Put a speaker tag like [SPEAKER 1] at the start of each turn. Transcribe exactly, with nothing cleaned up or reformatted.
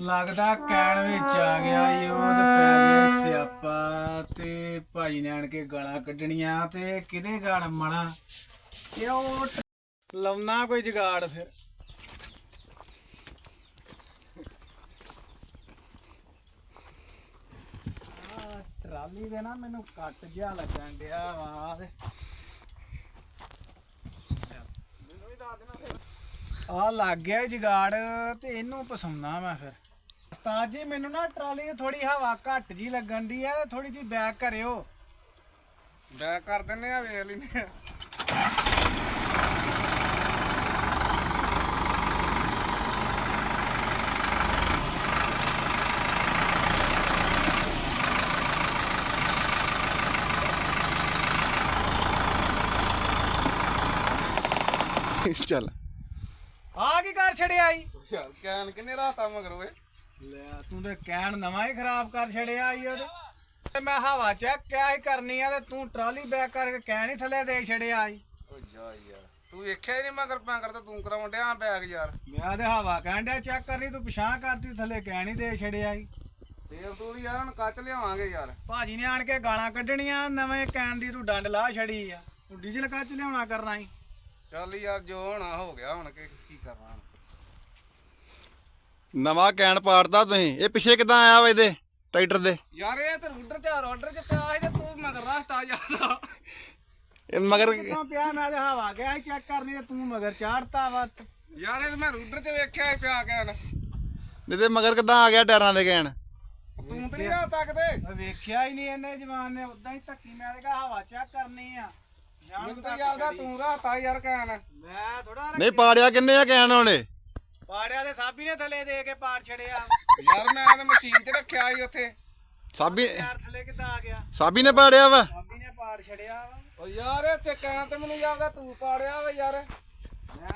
[SPEAKER 1] ਲੱਗਦਾ ਕੈਨ ਵਿੱਚ ਆ ਗਿਆ ਈ ਉਹ ਤੇ ਪੈ ਗਿਆ ਸਿਆਪਾ ਤੇ ਭਾਈ ਨੇ ਆਣ ਕੇ ਗਾਲਾਂ ਕੱਢਣੀਆਂ ਤੇ ਕਿਹਦੇ ਗਾਲ ਮਣਾ ਤੇ ਉਹ ਲਾਉਣਾ ਕੋਈ ਜਗਾੜ ਫਿਰ ਆ ਟਰਾਲੀ ਦੇ ਨਾ ਮੈਨੂੰ ਕੱਟ ਜਿਹਾ ਲੱਗਣ ਡਿਆ ਵਾ ਤੇ ਮੈਨੂੰ ਵੀ ਦੱਸ ਦੇਣਾ ਫਿਰ ਆ ਲੱਗ ਗਿਆ ਜਗਾੜ ਤੇ ਇਹਨੂੰ ਪਸਾਉਣਾ ਮੈਂ ਫਿਰ ਉਸਤਾਦ ਜੀ ਮੈਨੂੰ ਨਾ ਟਰਾਲੀ 'ਚ ਥੋੜੀ ਹਵਾ ਘੱਟ ਜੀ ਲੱਗਣ ਦੀ ਆ ਥੋੜੀ ਜੀ ਬੈਕ ਕਰਿਓ
[SPEAKER 2] ਬੈਕ ਕਰ ਦਿੰਨੇ ਆ ਵੇਖ ਲੈਨੇ
[SPEAKER 3] ਚੱਲ
[SPEAKER 1] ਆ ਕੀ ਕਰ ਛੜਿਆ ਈ
[SPEAKER 2] ਚੱਲ ਕੈਨ ਕਿੰਨੇ ਰਾਤਾ ਮਗਰ ਓਏ
[SPEAKER 1] ਲੈ ਤੂੰ ਤੇ ਕਹਿਣ ਨਵਾਂ ਹੀ ਖਰਾਬ ਕਰ ਛੜਿਆ ਈ ਉਹਦੇ ਤੇ ਮੈਂ ਹਵਾ ਚੈੱਕ ਕਿਆ ਹੀ ਕਰਨੀ ਆ ਤੇ ਤੂੰ ਟਰਾਲੀ ਬੈਕ ਕਰਕੇ ਕਹਿਣ ਹੀ ਥੱਲੇ ਦੇ ਛੜਿਆ ਈ
[SPEAKER 2] ਓ ਜਾ ਯਾਰ ਤੂੰ ਵੇਖਿਆ ਹੀ ਨਹੀਂ ਮਗਰ ਪਾ ਕਰਦਾ ਤੂੰ ਕਰਾਉਣ ਡਿਆ ਬੈਗ ਯਾਰ
[SPEAKER 1] ਮੈਂ ਤੇ ਹਵਾ ਕਹਿਣ ਡਿਆ ਚੈੱਕ ਕਰਨੀ ਤੂੰ ਪਿਛਾਂ ਕਰਤੀ ਥੱਲੇ ਕਹਿਣ ਹੀ ਦੇ ਛੜਿਆ ਈ
[SPEAKER 2] ਤੇਲ ਤੂੰ ਯਾਰ ਹੁਣ ਕੱਚ ਲਿਆਵਾਂਗੇ ਯਾਰ
[SPEAKER 1] ਭਾਜੀ ਨੇ ਆਣ ਕੇ ਗਾਲਾਂ ਕੱਢਣੀਆਂ ਨਵੇਂ ਕਹਿਣ ਦੀ ਤੂੰ ਡੰਡ ਲਾ ਛੜੀ ਆ ਤੂੰ ਡੀਜ਼ਲ ਕੱਚ ਲਿਆਉਣਾ ਕਰਨਾ ਈ
[SPEAKER 2] ਚੱਲ ਯਾਰ ਜੋ ਹੋਣਾ ਹੋ ਗਿਆ ਹੁਣ ਕਿ ਕੀ ਕਰਨਾ
[SPEAKER 3] ਨਵਾਂ ਕੈਨ ਪਾੜਦਾ ਤੁਸੀਂ ਇਹ ਪਿੱਛੇ ਕਿਦਾਂ ਆਇਆ ਵਾ ਇਹਦੇ ਟਰੈਕਟਰ ਦੇ
[SPEAKER 2] ਯਾਰ ਇਹ ਤੇ ਰੂਡਰ ਚ ਆਰਡਰ ਚ ਪਿਆ ਸੀ ਤੇ ਤੂੰ ਮਗਰ ਰਸਤਾ ਜਾਂਦਾ
[SPEAKER 3] ਇਹ ਮਗਰ
[SPEAKER 1] ਕਿੱਥੋਂ ਪਿਆ ਮੈਂ ਤੇ ਹਵਾ ਗਿਆ ਸੀ ਚੈੱਕ ਕਰਨੀ ਤੇ ਤੂੰ ਮਗਰ ਚਾੜਤਾ ਵਾ
[SPEAKER 2] ਯਾਰ ਇਹ ਮੈਂ ਰੂਡਰ ਚ ਵੇਖਿਆ ਸੀ ਪਿਆ ਕੈਨ
[SPEAKER 3] ਨਹੀਂ ਤੇ ਮਗਰ ਕਿਦਾਂ ਆ ਗਿਆ ਟਾਇਰਾਂ ਦੇ ਕੈਨ
[SPEAKER 2] ਤੂੰ ਤੇ ਨਹੀਂ ਰਾਤ ਤੱਕਦੇ
[SPEAKER 1] ਮੈਂ ਵੇਖਿਆ ਹੀ ਨਹੀਂ ਇਹਨੇ ਜਵਾਨ ਨੇ ਉਦਾਂ ਹੀ ਧੱਕੀ ਮੈਂ ਤੇ ਕਿਹਾ ਹਵਾ ਚੈੱਕ ਕਰਨੀ ਆ ਜਾਣ
[SPEAKER 2] ਮੈਨੂੰ ਤਾਂ
[SPEAKER 1] ਤੱਕ
[SPEAKER 2] ਯਾਦ ਆ
[SPEAKER 1] ਛੜੀ।
[SPEAKER 2] ਤੂੰ ਰਾਤਾ ਯਾਰ ਕੈਨ
[SPEAKER 1] ਮੈਂ ਥੋੜਾ
[SPEAKER 3] ਨਹੀਂ ਪਾੜਿਆ ਕਿੰਨੇ ਆ ਕੈਨ ਉਹਨੇ
[SPEAKER 1] ਪਾੜਿਆ ਤੇ ਸਾਬੀ ਨੇ ਥੱਲੇ ਦੇ ਕੇ ਪਾੜ ਛੜਿਆ
[SPEAKER 2] ਯਾਰ ਮੈਂ ਤਾਂ ਮਸ਼ੀਨ ਤੇ ਰੱਖਿਆ ਸੀ ਉੱਥੇ
[SPEAKER 3] ਸਾਬੀ
[SPEAKER 1] ਯਾਰ ਥੱਲੇ ਕਿੱਦਾਂ ਆ ਗਿਆ
[SPEAKER 3] ਸਾਬੀ ਨੇ ਪਾੜਿਆ ਵਾ
[SPEAKER 1] ਸਾਬੀ ਨੇ ਪਾੜ ਛੜਿਆ ਵਾ
[SPEAKER 2] ਓ ਯਾਰ ਇੱਥੇ ਕੈਨ ਤੇ ਮੈਨੂੰ ਯਾਦ ਆ ਤੂੰ ਪਾੜਿਆ ਵਾ ਯਾਰ